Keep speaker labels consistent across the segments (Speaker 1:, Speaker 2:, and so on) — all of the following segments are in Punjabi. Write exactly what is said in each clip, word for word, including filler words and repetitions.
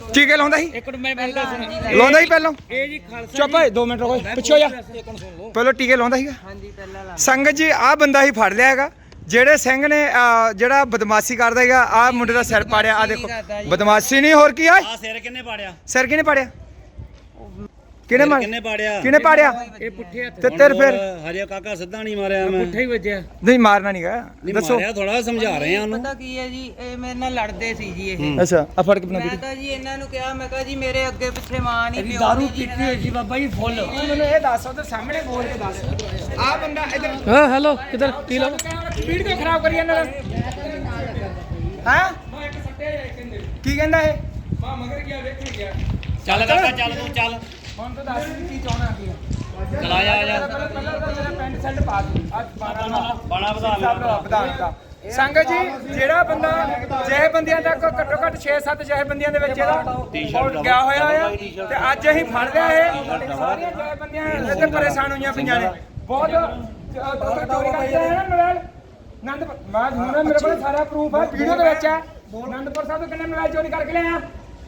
Speaker 1: ਟੀਕੇ ਲਾਉਂਦਾ ਸੀ
Speaker 2: ਇੱਕ ਮਿੰਟ ਮੈਂ ਗੱਲ ਸੁਣ
Speaker 1: ਲਾਉਂਦਾ ਸੀ ਪਹਿਲਾਂ
Speaker 2: ਇਹ ਜੀ ਖਾਲਸਾ
Speaker 1: ਚੁੱਪ ਓਏ ਦੋ ਮਿੰਟ ਰੁਕੋ ਪਿੱਛੇ ਹੋ ਜਾ ਪਹਿਲਾਂ ਟੀਕੇ ਲਾਉਂਦਾ ਸੀਗਾ
Speaker 3: ਹਾਂਜੀ ਪਹਿਲਾਂ ਲਾ
Speaker 1: ਸੰਗਤ ਜੀ ਆਹ ਬੰਦਾ ਹੀ ਫੜ ਲਿਆ ਹੈਗਾ ਜਿਹੜੇ ਸਿੰਘ ਨੇ ਅਹ, ਜਿਹੜਾ ਬਦਮਾਸ਼ੀ ਕਰਦਾ ਹੈਗਾ ਆਹ ਮੁੰਡੇ ਦਾ ਸਿਰ ਪਾੜਿਆ ਆ ਦੇਖੋ ਬਦਮਾਸ਼ੀ ਨਹੀਂ ਹੋਰ ਕੀ ਆ
Speaker 4: ਆ ਸਿਰ ਕਿੰਨੇ ਪਾੜਿਆ
Speaker 1: ਸਿਰ ਕਿਹਨੇ ਪਾੜਿਆ ਕਿਹਨੇ ਮਾਰ
Speaker 4: ਕਿੰਨੇ ਪਾੜਿਆ
Speaker 1: ਕਿਹਨੇ ਪਾੜਿਆ
Speaker 2: ਇਹ ਪੁੱਠੇ ਹੱਥ
Speaker 1: ਤੇ ਤੇਰੇ ਫਿਰ
Speaker 4: ਹਰਿਆ ਕਾਕਾ ਸਿੱਧਾ ਨਹੀਂ ਮਾਰਿਆ ਮੈਂ
Speaker 2: ਪੁੱਠਾ ਹੀ ਵੱਜਿਆ
Speaker 1: ਨਹੀਂ ਮਾਰਨਾ ਨਹੀਂਗਾ
Speaker 4: ਨਹੀਂ
Speaker 1: ਦੱਸੋ
Speaker 4: ਮਾਰਿਆ ਥੋੜਾ ਸਮਝਾ ਰਹੇ ਆ ਉਹਨੂੰ
Speaker 3: ਪਤਾ ਕੀ ਹੈ ਜੀ ਇਹ ਮੇਰੇ ਨਾਲ ਲੜਦੇ ਸੀ ਜੀ ਇਹ
Speaker 1: ਅੱਛਾ ਆ ਫੜ ਕੇ ਬਣਾ
Speaker 3: ਮੈਂ ਤਾਂ ਜੀ ਇਹਨਾਂ ਨੂੰ ਕਿਹਾ ਮੈਂ ਕਿਹਾ ਜੀ ਮੇਰੇ ਅੱਗੇ ਪਿੱਛੇ ਮਾਂ ਨਹੀਂ ਪਿਓ
Speaker 2: ਦਾਰੂ
Speaker 3: ਨਹੀਂ ਜੀ
Speaker 2: ਪੀਤੀ ਹੋਈ ਸੀ ਬਾਬਾ ਜੀ ਫੁੱਲ
Speaker 1: ਮੈਨੂੰ ਇਹ ਦੱਸ ਉਹਦੇ ਸਾਹਮਣੇ ਬੋਲ ਕੇ ਦੱਸ ਆ ਬੰਦਾ ਇਧਰ
Speaker 2: ਹਾਂ ਹੈਲੋ ਕਿਧਰ ਪੀ ਲਓ
Speaker 1: ਸਪੀਡ ਕਿਉਂ ਖਰਾਬ ਕਰੀ ਜਾਂਦਾ ਹਾਂ ਕੀ ਕਹਿੰਦਾ ਇਹ ਮਾਂ ਮਗਰ ਗਿਆ ਵੇਖਣ ਗਿਆ
Speaker 4: ਚੱਲ ਕਾਕਾ ਚੱਲ ਤੂੰ ਚੱਲ
Speaker 1: ਹੁਣ ਤਾਂ ਦੱਸ ਕੀ ਚਾਹਣਾ ਕੀ ਆ
Speaker 4: ਚਲਾ ਜਾ ਆ ਜਾ
Speaker 1: ਪਹਿਲਾਂ ਤਾਂ ਤੇਰਾ ਪੈਂਟ ਸ਼ਰਟ ਪਾ ਦੂੰ ਅੱਜ
Speaker 4: ਬਾਣਾ ਵਧਾ ਲੈ
Speaker 1: ਵਿਧਾਨ ਦਾ ਸੰਗਤ ਜੀ ਜਿਹੜਾ ਬੰਦਾ ਜੈ ਬੰਦਿਆਂ ਤੱਕ ਘੱਟੋ ਘੱਟ ਛੇ ਸੱਤ ਜੈ ਬੰਦਿਆਂ ਦੇ ਵਿੱਚ ਇਹਦਾ ਉਹ ਗਿਆ ਹੋਇਆ ਆ ਤੇ ਅੱਜ ਅਸੀਂ ਫੜ ਲਿਆ ਇਹ ਸਾਰੀਆਂ ਜੈ ਬੰਦਿਆਂ ਇੱਥੇ ਪਰੇਸ਼ਾਨ ਹੋਈਆਂ ਪਈਆਂ ਨੇ ਬਹੁਤ ਚੋਰੀ ਕਰਦੇ ਆ ਨਾ ਮੋਬਾਈਲ ਆਨੰਦਪੁਰ ਮੈਂ ਹੁਣ ਮੇਰੇ ਕੋਲ ਸਾਰਾ ਪ੍ਰੂਫ ਹੈ ਵੀਡੀਓ ਦੇ ਵਿੱਚ ਹੈ ਆਨੰਦਪੁਰ ਸਾਹਿਬ ਤੋਂ ਕਿੰਨੇ ਮੋਬਾਈਲ ਚੋਰੀ ਕਰਕੇ ਲਿਆਇਆ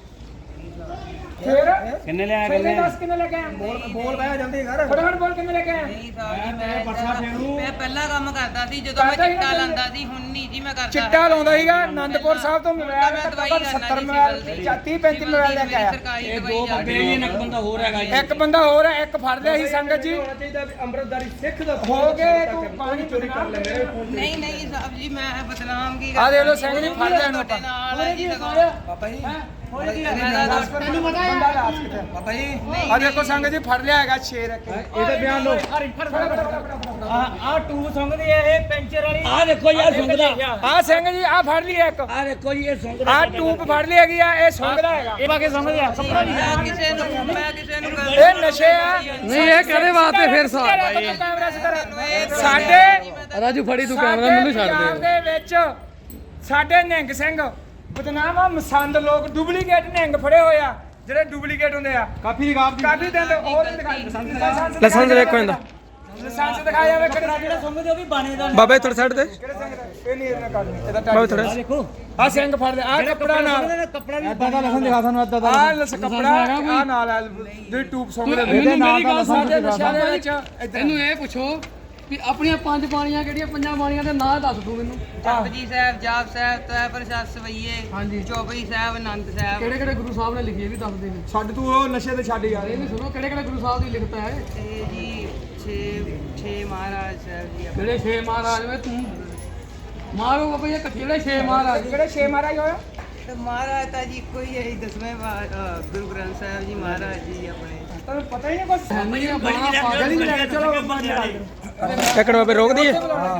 Speaker 1: ਫਿਰ
Speaker 4: ਕਿੰਨੇ ਲਿਆ
Speaker 1: ਕਿੰਨੇ ਦੱਸ ਕਿੰਨੇ ਲੈ ਕੇ ਆਇਆ ਬੋਲ ਬੋਲ ਬਹਿ ਜਾਂਦੀ ਘਰ ਫਟਾਫਟ ਬੋਲ ਕਿੰਨੇ ਲੈ ਕੇ ਆਇਆ
Speaker 3: ਨਹੀਂ ਸਾਹਿਬ ਜੀ ਮੈਂ ਮੈਂ ਪਹਿਲਾਂ ਕੰਮ ਕਰਦਾ ਸੀ ਜਦੋਂ ਮੈਂ ਚਿੱਟਾ ਲਾਂਦਾ ਸੀ ਹੁਣ ਨਹੀਂ ਜੀ ਮੈਂ ਕਰਦਾ
Speaker 1: ਚਿੱਟਾ ਲਾਉਂਦਾ ਸੀਗਾ ਆਨੰਦਪੁਰ ਸਾਹਿਬ ਤੋਂ ਮੋਬਾਈਲ
Speaker 3: ਮੈਂ ਦਵਾਈ
Speaker 1: ਘੱਟੋ ਘੱਟ ਸੱਤਰ ਮੋਬਾਈਲ ਤੀਹ ਪੈਂਤੀ ਮੋਬਾਈਲ ਲੈ ਕੇ ਆਇਆ
Speaker 3: ਸਰਕਾਰੀ
Speaker 2: ਦੋ
Speaker 3: ਦਵਾਈ
Speaker 2: ਬੰਦੇ ਹੀ ਇੱਕ ਬੰਦਾ ਹੋਰ ਹੈਗਾ ਜੀ
Speaker 1: ਇੱਕ ਬੰਦਾ ਹੋਰ ਹੈ ਇੱਕ ਫੜ ਲਿਆ ਸੀ ਸੰਗਤ ਜੀ
Speaker 2: ਅੰਮ੍ਰਿਤਦਾਰੀ ਸਿੱਖ ਦਾ
Speaker 1: ਹੋ ਗਏ ਤੂੰ ਪਾਣੀ ਚੋਰੀ ਕਰ ਲੈ ਮੇਰੇ
Speaker 3: ਨਹੀਂ ਨਹੀਂ ਸਾਹਿਬ ਜੀ ਮੈਂ ਬਦਨਾਮ ਕੀ
Speaker 1: ਆ ਦੇਖ ਲਓ ਸਿੰਘ ਜੀ ਫੜ ਲਿਆ ਇਹਨੂੰ ਆਪਾਂ
Speaker 3: ਨਾਲ ਹੈ ਜੀ ਲਗਾਓ
Speaker 1: ਬਾਬਾ ਜੀ
Speaker 3: ਮੈਨੂੰ ਪਤਾ
Speaker 1: ਬੰਦਾ ਲਾਸ ਕਿੱਥੇ ਬਾਬਾ ਜੀ ਆ ਦੇਖੋ ਸੰਗਤ ਜੀ ਫੜ ਲਿਆ ਹੈਗਾ ਸ਼ੇਰ ਇੱਕ
Speaker 2: ਇਹਦਾ ਬਿਆਨ ਲਓ ਆ ਆ ਟੂਬ ਸੰਗਦੇ ਆ ਇਹ ਪੈਂਚਰ ਵਾਲੀ ਆ ਦੇਖੋ ਯਾਰ ਸੁੰਗਦਾ
Speaker 1: ਆ ਸਿੰਘ ਜੀ ਆ ਫੜ ਲਈ ਇੱਕ
Speaker 2: ਆ ਦੇਖੋ ਜੀ ਇਹ ਸੁੰਗਦਾ
Speaker 1: ਆ ਟੂਬ ਫੜ ਲਈ ਹੈਗੀ ਆ ਇਹ ਸੁੰਗਦਾ ਹੈਗਾ
Speaker 2: ਇਹ ਬਾਕੀ ਸੁੰਗਦੇ ਆ ਕੱਪੜਾ ਨਹੀਂ
Speaker 3: ਮੈਂ ਕਿਸੇ ਨੂੰ ਮੈਂ ਕਿਸੇ ਨੂੰ ਕਰ
Speaker 1: ਇਹ ਨਸ਼ੇ ਆ
Speaker 2: ਨਹੀਂ ਇਹ ਕਦੇ ਵਾਸਤੇ ਫਿਰ
Speaker 1: ਕੈਮਰਾ ਸਿੱਧਾ ਸਾਡੇ
Speaker 2: ਰਾਜੂ ਫੜੀ ਤੂੰ
Speaker 1: ਕੈਮਰਾ ਮੈਨੂੰ ਛੱਡ ਦੇ ਦੇ ਵਿੱਚ ਸਾਡੇ ਨਿਹੰਗ ਸਿੰਘ ਬਦਨਾਮ ਆ ਮਸੰਦ ਲੋਕ ਡੁਪਲੀਕੇਟ ਨਿਹੰਗ ਫੜੇ ਹੋਏ ਆ ਜਿਹੜੇ ਡੁਪਲੀਕੇਟ ਹੁੰਦੇ ਆ ਕਾਫੀ ਰਿਕਾਰਡ ਕਾਫੀ ਦਿਨ ਹੋਰ ਦਿਖਾਈ ਲਾਇਸੈਂਸ ਵੇਖੋ ਇਹਦਾ ਲਾਇਸੈਂਸ ਦਿਖਾਇਆ ਵੇ ਕਿਹੜਾ
Speaker 2: ਜਿਹੜਾ ਸੁੰਗਦੇ ਉਹ ਵੀ ਬਾਣੇ ਦਾ
Speaker 1: ਬਾਬਾ ਥੋੜਾ ਛੱਡ ਦੇ ਕਿਹੜੇ ਸਿੰਘ ਦਾ ਇਹ ਨਹੀਂ ਇਹਨਾਂ ਕਰਨੀ ਇਹਦਾ ਬਾਬਾ ਥੋੜਾ
Speaker 2: ਦੇਖੋ
Speaker 1: ਆ ਸਿੰਘ ਫੜ ਦੇ ਆ ਕੱਪੜਾ ਨਾਲ
Speaker 2: ਕੱਪੜਾ ਵੀ ਇਦਾਂ ਦਾ ਲਖਨ ਦਿਖਾ ਸਾਨੂੰ ਇਦਾਂ ਦਾ
Speaker 1: ਆ ਲਸ ਕੱਪੜਾ ਆ ਨਾਲ ਆ ਜਿਹੜੀ ਟੂਬ ਸੌਂਗ ਦੇ ਇਹਦੇ ਨਾਲ ਦਾ ਸਾਡੇ ਨਸ਼ਿਆਂ ਦੇ ਵਿੱਚ
Speaker 5: ਇਹਨੂੰ ਇਹ ਪੁੱਛੋ ਵੀ ਆਪਣੀਆਂ ਪੰਜ ਬਾਣੀਆਂ ਕਿਹੜੀਆਂ ਪੰਜਾਂ ਬਾਣੀਆਂ ਦੇ ਨਾਂ ਦੱਸ ਦੋ ਮੈਨੂੰ
Speaker 3: ਜਪਜੀ ਸਾਹਿਬ ਜਾਪ ਸਾਹਿਬ ਤੈ ਪ੍ਰਸਾਦ ਸਵਈਏ
Speaker 5: ਹਾਂਜੀ
Speaker 3: ਚੌਪਈ ਸਾਹਿਬ ਆਨੰਦ ਸਾਹਿਬ
Speaker 5: ਕਿਹੜੇ ਕਿਹੜੇ ਗੁਰੂ ਸਾਹਿਬ ਨੇ ਲਿਖੀ ਇਹ ਵੀ ਦੱਸ ਦੇ ਫਿਰ
Speaker 1: ਛੱਡ ਤੂੰ ਉਹ ਨਸ਼ੇ ਤੇ ਛੱਡ ਯਾਰ
Speaker 5: ਇਹ ਵੀ ਸੁਣੋ ਕਿਹੜੇ ਕਿਹੜੇ ਗੁਰੂ ਸਾਹਿਬ ਦੀ ਲਿਖਤ ਹੈ
Speaker 3: ਇਹ ਜੀ ਛੇ ਛੇ ਮਹਾਰਾਜ ਸਾਹਿਬ ਜੀ ਆਪਣੇ
Speaker 5: ਕਿਹੜੇ ਛੇ ਮਹਾਰਾਜ ਵੇ ਤੂੰ ਮਾਰੋ ਬਾਬਾ ਇਹ ਕਿਹੜੇ ਛੇ ਮਹਾਰਾਜ
Speaker 1: ਕਿਹੜੇ ਛੇ ਮਹਾਰਾਜ ਹੋਇਆ
Speaker 3: ਤੇ ਮਹਾਰਾਜ ਤਾਂ ਜੀ ਇੱਕੋ ਹੀ ਹੈ ਜੀ ਦਸਵੇਂ ਵਾ- ਅ, ਗੁਰੂ ਗ੍ਰੰਥ ਸਾਹਿਬ ਜੀ ਮਹਾਰਾਜ ਜੀ ਆਪਣੇ
Speaker 1: ਤੈਨੂੰ ਪਤਾ ਹੀ ਨਹੀਂ ਕੁਛ
Speaker 5: ਨਹੀਂ ਬਾਣਾ ਪਾ
Speaker 1: ਗਲੀ ਲੈ ਚਲੋ ਬਾਬਾ
Speaker 2: ਟੱਕੜ ਬਾਬੇ ਰੋਕ ਦਈਏ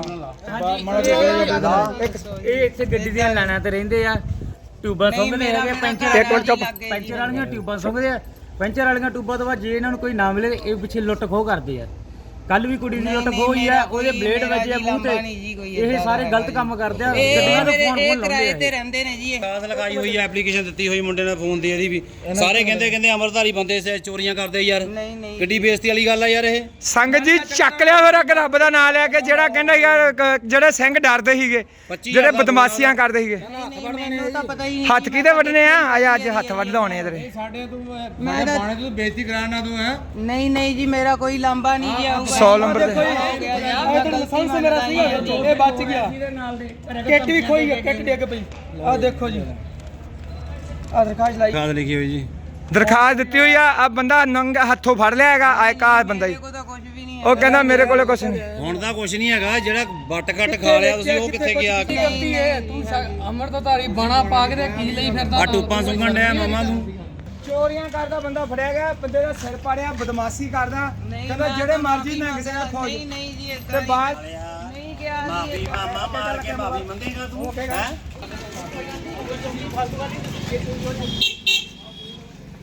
Speaker 1: ਇੱਕ
Speaker 2: ਇਹ ਇੱਥੇ ਗੱਡੀ ਦੀਆਂ ਲਾਈਨਾਂ ਤੇ ਰਹਿੰਦੇ ਆ ਟਿਊਬਾਂ ਸੁੰਘਦੇ ਹੈਗੇ ਪੈਂਚਰ
Speaker 3: ਇੱਕ ਮਿੰਟ ਚੁੱਪ।
Speaker 2: ਪੈਂਚਰ ਵਾਲੀਆਂ ਟਿਊਬਾਂ ਸੁੰਘਦੇ ਆ ਪੈਂਚਰ ਵਾਲੀਆਂ ਟਿਊਬਾਂ ਤੋਂ ਬਾਅਦ ਜੇ ਇਹਨਾਂ ਨੂੰ ਕੋਈ ਨਾ ਮਿਲੇ ਇਹ ਪਿੱਛੇ ਲੁੱਟ ਖੋਹ ਕਰਦੇ ਆ ਕੱਲ ਵੀ ਕੁੜੀ ਦੀ ਲੁੱਟ ਖੋਹ ਹੋਈ ਆ ਉਹਦੇ ਬਲੇਡ ਵੱਜੇ ਆ ਮੂੰਹ ਤੇ ਇਹ ਸਾਰੇ ਗਲਤ ਕੰਮ ਕਰਦੇ ਆ ਗੱਡੀਆਂ ਦੇ ਫੋਨ
Speaker 3: ਇਹ
Speaker 2: ਫੋਨ
Speaker 3: ਕਿਰਾਏ
Speaker 2: ਲਾਉਂਦੇ
Speaker 3: ਤੇ
Speaker 2: ਆ
Speaker 3: ਰਹਿੰਦੇ ਨੇ ਜੀ ਇਹ
Speaker 4: ਕਾਸ ਲਗਾਈ ਹੋਈ ਹੈ ਐਪਲੀਕੇਸ਼ਨ ਦਿੱਤੀ ਹੋਈ ਮੁੰਡੇ ਨੇ ਫੋਨ ਦੀ ਇਹਦੀ ਵੀ ਸਾਰੇ ਕਹਿੰਦੇ ਕਹਿੰਦੇ ਅਮਰਧਾਰੀ ਬੰਦੇ ਸੇ ਚੋਰੀਆਂ ਕਰਦੇ ਯਾਰ
Speaker 3: ਨਹੀਂ ਨਹੀਂ
Speaker 4: ਕਿੱਡੀ ਬੇਇੱਜ਼ਤੀ ਵਾਲੀ ਗੱਲ ਆ ਯਾਰ ਇਹ
Speaker 1: ਸੰਗਤ ਜੀ ਚੱਕ ਲਿਆ ਫਿਰ ਅੱਗ ਰੱਬ ਦਾ ਨਾਮ ਲੈ ਕੇ ਜਿਹੜਾ ਕਹਿੰਦਾ ਯਾਰ ਕ- ਜਿਹੜੇ ਸਿੰਘ ਡਰਦੇ ਸੀਗੇ ਜਿਹੜੇ ਬਦਮਾਸ਼ੀਆਂ ਕਰਦੇ ਸੀਗੇ
Speaker 3: ਨਹੀਂ, ਮੈਨੂੰ ਤਾਂ ਪਤਾ ਹੀ ਨਹੀਂ
Speaker 1: ਹੱਥ ਕਿਹਦੇ ਵੱਢਣੇ ਆ ਆ ਅੱਜ ਹੱਥ ਵੱਢਾਉਣੇ ਆ ਤੇਰੇ
Speaker 5: ਸਾਡੇ ਤੂੰ
Speaker 3: ਮੈਂ ਤਾਂ
Speaker 5: ਬਾਣੇ ਤੂੰ ਬੇਇੱਜ਼ਤੀ ਕਰਾਣਾ ਤੂੰ ਹੈ
Speaker 3: ਨਹੀਂ ਨਹੀਂ ਜੀ ਮੇਰਾ ਕੋਈ ਲਾਂਬਾ ਨਹੀਂ ਜੀ ਆਊਗਾ
Speaker 1: ਸੌ ਨੰਬਰ ਤੇ
Speaker 3: ਲਾਇਸੈਂਸ ਮੇਰਾ ਸੀਗਾ
Speaker 1: ਇਹ ਬਚ ਗਿਆ ਕਿੱਟ ਵੀ ਖੋਈ ਗਿਆ ਕਿੱਟ ਡਿੱਗ ਪਈ ਆ ਦੇਖੋ ਜੀ ਆ ਦਰਖਾਸਤ ਲਾਈ
Speaker 4: ਕਾਦ ਲਿਖੀ ਹੋਈ ਜੀ
Speaker 1: ਦਰਖਾਸਤ ਦਿੱਤੀ ਹੋਈ ਆ ਆ ਬੰਦਾ ਨੰਗ ਹੱਥੋਂ ਫੜ ਲਿਆ ਹੈਗਾ ਆ ਇੱਕ ਆਹ ਬੰਦਾ ਹੀ
Speaker 3: ਕੋਈ ਤਾਂ ਕੁਝ ਵੀ ਨਹੀਂ
Speaker 1: ਉਹ ਕਹਿੰਦਾ ਮੇਰੇ ਕੋਲੇ ਕੁਛ ਨਹੀਂ
Speaker 4: ਹੁਣ ਤਾਂ ਕੁਝ ਨਹੀਂ ਹੈਗਾ ਜਿਹੜਾ ਵੱਟ ਕੱਟ ਖਾ ਲਿਆ ਤੁਸੀਂ ਉਹ ਕਿੱਥੇ ਗਿਆ
Speaker 5: ਗਲਤੀ ਹੈ ਤੂੰ ਅੰਮ੍ਰਿਤਧਾਰੀ ਬਾਣਾ ਪਾ ਕੇ ਤੇ ਕੀ ਲਈ ਫਿਰਦਾ
Speaker 4: ਆ ਟੂਪਾਂ ਸੁੰਘਣ ਡਿਆ ਮਾਮਾ ਤੂੰ
Speaker 1: ਚੋਰੀਆਂ ਕਰਦਾ ਬੰਦਾ ਫੜਿਆ ਗਿਆ ਬੰਦੇ ਦਾ ਸਿਰ ਪਾੜਿਆ ਬਦਮਾਸ਼ੀ ਕਰਦਾ ਕਹਿੰਦਾ ਜਿਹੜੇ ਮਰਜ਼ੀ ਨੰਗ ਸੇ ਫੌਜ
Speaker 3: ਨਹੀਂ ਨਹੀਂ ਜੀ
Speaker 1: ਤੇ ਬਾਅਦ
Speaker 3: ਨਹੀਂ ਗਿਆ ਜੀ
Speaker 4: ਮਾਫੀ ਮਾਮਾ ਮਾਰ ਕੇ ਮਾਫੀ ਮੰਗੇਗਾ ਤੂੰ ਹੈ